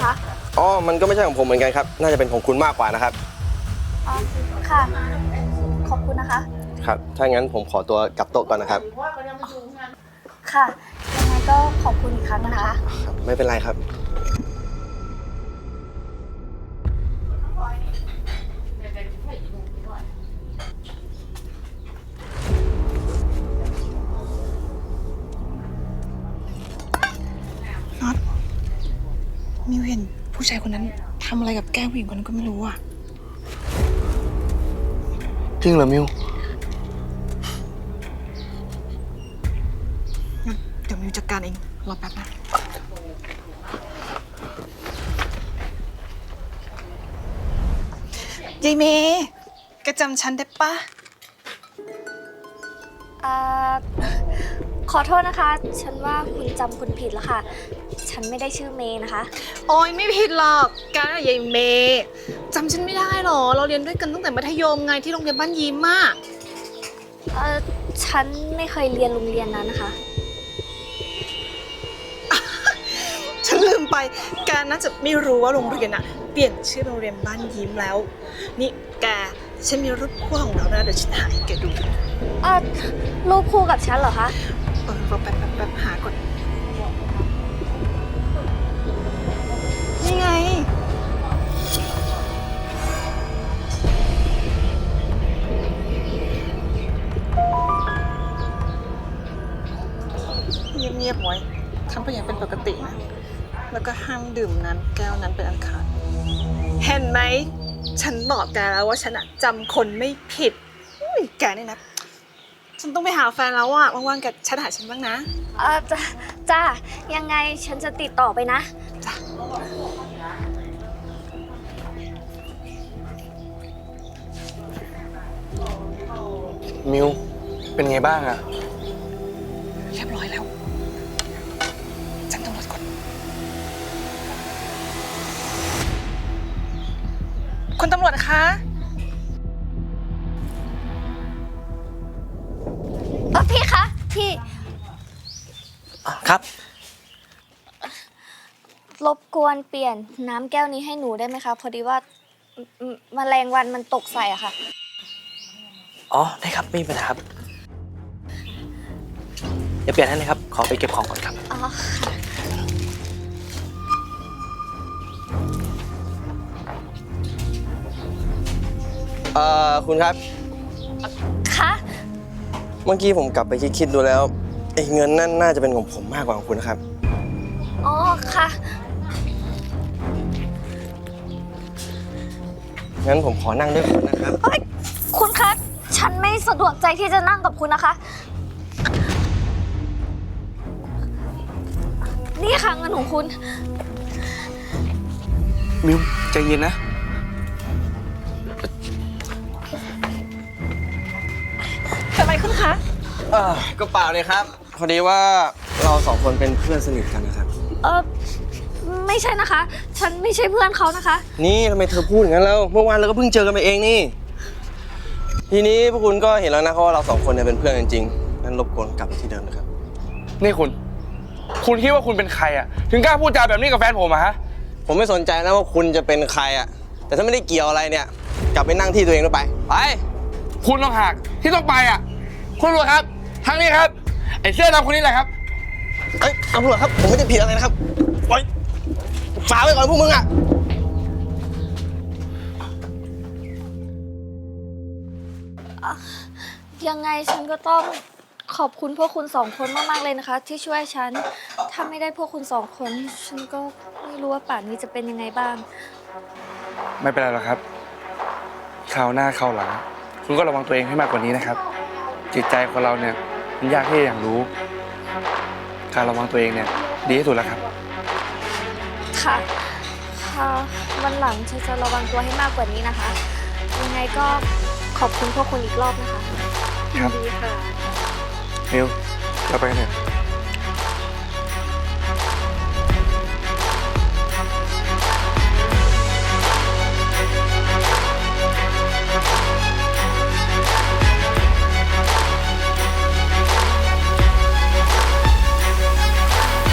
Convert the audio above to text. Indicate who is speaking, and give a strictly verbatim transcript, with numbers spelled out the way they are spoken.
Speaker 1: นะคะ
Speaker 2: อ๋อมันก็ไม่ใช่ของผมเหมือนกันครับน่าจะเป็นของคุณมากกว่านะครับ
Speaker 1: อ๋อค่ะ ขอบคุณนะคะ
Speaker 2: ครับถ้างั้นผมขอตัวกลับโต๊ะก่อนนะครับ
Speaker 1: ค่ะ ยังไงก็ขอบคุณอีกครั้งนะคะ
Speaker 2: ครับไม่เป็นไรครับ
Speaker 3: น็อตมิวเห็นผู้ชายคนนั้นทำอะไรกับแก้มผู้หญิงคนนั้นก็ไม่รู้อ่ะ
Speaker 2: จริงเหรอมิว
Speaker 3: งั้นเดี๋ยวมิวจัดการเองรอแป๊บนะยายเมย์แกจำฉันได้ปะ
Speaker 1: อ่า ขอโทษนะคะ ฉันว่าคุณจำคุณผิดแล้วค่ะ ฉันไม่ได้ชื่อเมย์นะคะ
Speaker 3: โอ้ยไม่ผิดหรอกแกน่ะยายเมย์จำฉันไม่ได้หรอเราเรียนด้วยกันตั้งแต่มัธยมไงที่โรงเรียนบ้านยิ้มอะ
Speaker 1: เออฉันไม่เคยเรียนโรงเรียนนั้นนะคะ
Speaker 3: ฉันลืมไปแกน่าจะไม่รู้ว่าโรงเรียนอะเปลี่ยนชื่อโรงเรียนบ้านยิ้มแล้วนี่แกฉันมีรูปคู่ของเรานะเดี๋ยวฉันหาให้แกดู
Speaker 1: เออรูปคู่กับฉันเหรอคะ
Speaker 3: เออรอแป๊บแป๊บแป๊บหาก่อนนี่ไงเงียบๆไว้ทำไปอย่างเป็นปกตินะแล้วก็ห้ามดื่มน้ำแก้วนั้นเป็นอันขาดเห็นไหมฉันบอกแกแล้วว่าฉันอะจำคนไม่ผิดอุ้ยแกนี่นะฉันต้องไปหาแฟนแล้วอะว่างๆแกแชทหาฉันบ้างนะ
Speaker 1: เออจ้าจ้า ยังไงฉันจะติดต่อไปนะ
Speaker 3: จ้ะ
Speaker 2: มิวเป็นไงบ้างอะ
Speaker 3: เรียบร้อยแล้วฉันต้องรถก่อนคุณตำรวจคะ
Speaker 1: เออพี่คะ พี่
Speaker 2: ครับ
Speaker 1: รบกวนเปลี่ยนน้ำแก้วนี้ให้หนูได้ไหมคะ พอดีว่าอืมแมลงวันมันตกใส่อะค่ะ
Speaker 4: อ๋อได้ครับไม่มีปัญหาครับเดี๋ยวเปลี่ยนให้เลยครับขอไปเก็บของก่อนครับ
Speaker 1: อ๋อค่ะ
Speaker 2: เอ่อคุณครับ
Speaker 1: คะ
Speaker 2: เมื่อกี้ผมกลับไปคิดๆดูแล้วไอ้เงินนั่นน่าจะเป็นของผมมากกว่าของคุณนะครับ
Speaker 1: อ๋อค่ะ
Speaker 2: งั้นผมขอนั่งด้วยคนนะครับ
Speaker 1: เฮ้ย คุณคะ ฉันไม่สะดวกใจที่จะนั่งกับคุณนะคะ นี่ค่ะเงินของคุณ
Speaker 4: มิวใจเย็นนะ
Speaker 3: เกิดอะไรขึ้นคะ
Speaker 2: เออก็เปล่าเลยครับ พอดีว่าเราสองคนเป็นเพื่อนสนิทกันนะครับ
Speaker 1: เออไม่ใช่นะคะ ฉันไม่ใช่เพื่อนเขานะคะ
Speaker 2: นี่ทำไมเธอพูดอย่างนั้นแล้ว เมื่อวานเราก็เพิ่งเจอกันไปเองนี่ ทีนี้พวกคุณก็เห็นแล้วนะว่าเราสองคนเนี่ยเป็นเพื่อนกันจริงๆงั้นรบกวนกลับไปที่เดิมนะครับ
Speaker 5: นี่คุณ คุณคิดว่าคุณเป็นใครอะถึงกล้าพูดจาแบบนี้กับแฟนผมอะฮะ
Speaker 2: ผมไม่สนใจนะว่าคุณจะเป็นใครอะแต่ถ้าไม่ได้เกี่ยวอะไรเนี่ย กลับไปนั่งที่ตัวเองแล้วไป ไป
Speaker 5: คุณต้องหักที่ต้องไปอะคุณตำรวจครับ ทางนี้ครับ ไอ้เสื้อดำคนนี้แหละครับ
Speaker 2: เอ้ยตำรวจครับ ผมไม่ได้ผิดอะไรนะครับปล่อยฝากไว้ก่อนพวกมึงอะ
Speaker 1: ยังไงฉันก็ต้องขอบคุณพวกคุณสองคนมากๆเลยนะคะ ที่ช่วยฉัน ถ้าไม่ได้พวกคุณสองคน ฉันก็ไม่รู้ว่าป่านนี้จะเป็นยังไงบ้าง
Speaker 5: ไม่เป็นไรหรอกครับคราวหน้าคราวหลังคุณก็ระวังตัวเองให้มากกว่านี้นะครับ จิตใจของเราเนี่ยมันยากที่จะอย่างรู้ การระวังตัวเองเนี่ยดีที่สุดแล้วครับ
Speaker 1: ค่ะ ค่ะ วันหลังฉันจะระวังตัวให้มากกว่านี้นะคะ ยังไงก็ขอบคุณพวกคุณอีกรอบนะคะ
Speaker 5: ครับ
Speaker 1: ดีค่ะ
Speaker 5: มิวเราไปกันเถอะ